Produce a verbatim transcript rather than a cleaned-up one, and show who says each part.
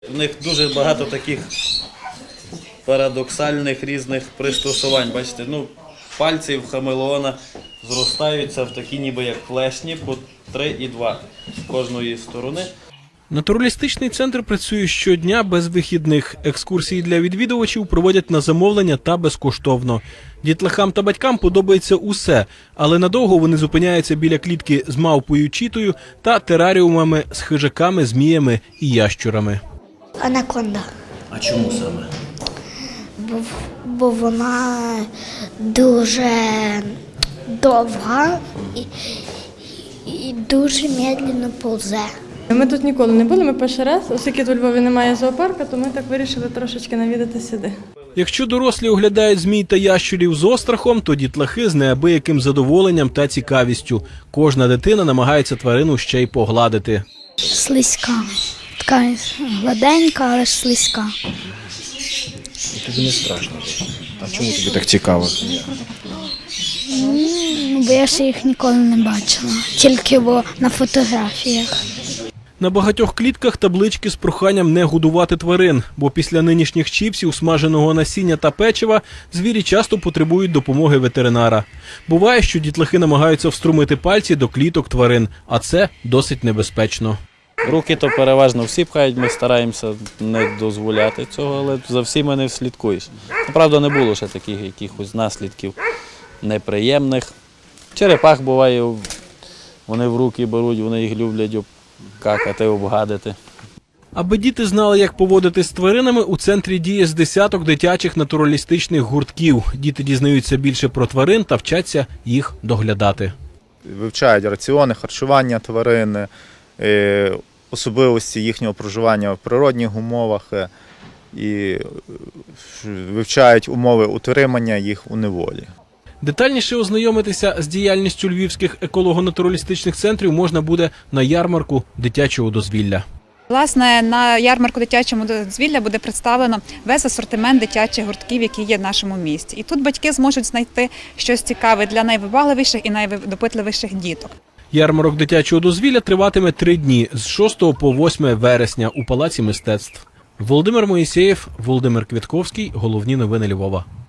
Speaker 1: У них дуже багато таких парадоксальних різних пристосувань. Бачите, ну, пальці в хамелеона зростаються в такі ніби як клешні по три і два з кожної сторони.
Speaker 2: Натуралістичний центр працює щодня без вихідних. Екскурсії для відвідувачів проводять на замовлення та безкоштовно. Дітлахам та батькам подобається усе, але надовго вони зупиняються біля клітки з мавпою Чітою та тераріумами з хижаками, зміями і ящурами.
Speaker 3: Анаконда.
Speaker 1: А чому саме?
Speaker 3: Бо, бо вона дуже довга і, і дуже медленно повзе.
Speaker 4: Ми тут ніколи не були, ми перший раз, оскільки тут у Львові немає зоопарку, то ми так вирішили трошечки навідати сюди.
Speaker 2: Якщо дорослі оглядають змій та ящурів з острахом, то дітлахи з неабияким задоволенням та цікавістю. Кожна дитина намагається тварину ще й погладити.
Speaker 3: Слизька. Така гладенька, але ж слизька.
Speaker 5: Тобі не страшно? А чому тобі так цікаво?
Speaker 3: Ну, бо я ще їх ніколи не бачила, тільки бо на фотографіях.
Speaker 2: На багатьох клітках таблички з проханням не годувати тварин, бо після нинішніх чіпсів, смаженого насіння та печива звірі часто потребують допомоги ветеринара. Буває, що дітлахи намагаються вструмити пальці до кліток тварин, а це досить небезпечно.
Speaker 1: Руки то переважно всі пхають, ми стараємося не дозволяти цього, але за всіма не вслідкуєш. Правда, не було ще таких якихось наслідків неприємних. Черепах буває, вони в руки беруть, вони їх люблять обкакати, обгадити.
Speaker 2: Аби діти знали, як поводитись з тваринами, у центрі діє з десяток дитячих натуралістичних гуртків. Діти дізнаються більше про тварин та вчаться їх доглядати.
Speaker 6: Вивчають раціони, харчування тварин, особливості їхнього проживання в природних умовах і вивчають умови утримання їх у неволі.
Speaker 2: Детальніше ознайомитися з діяльністю львівських еколого-натуралістичних центрів можна буде на ярмарку дитячого дозвілля.
Speaker 7: Власне, на ярмарку дитячого дозвілля буде представлено весь асортимент дитячих гуртків, які є в нашому місті. І тут батьки зможуть знайти щось цікаве для найвибагливіших і найдопитливіших діток.
Speaker 2: Ярмарок дитячого дозвілля триватиме три дні – з шостого по восьме вересня у Палаці мистецтв. Володимир Моїсеєв, Володимир Квітковський. Головні новини Львова.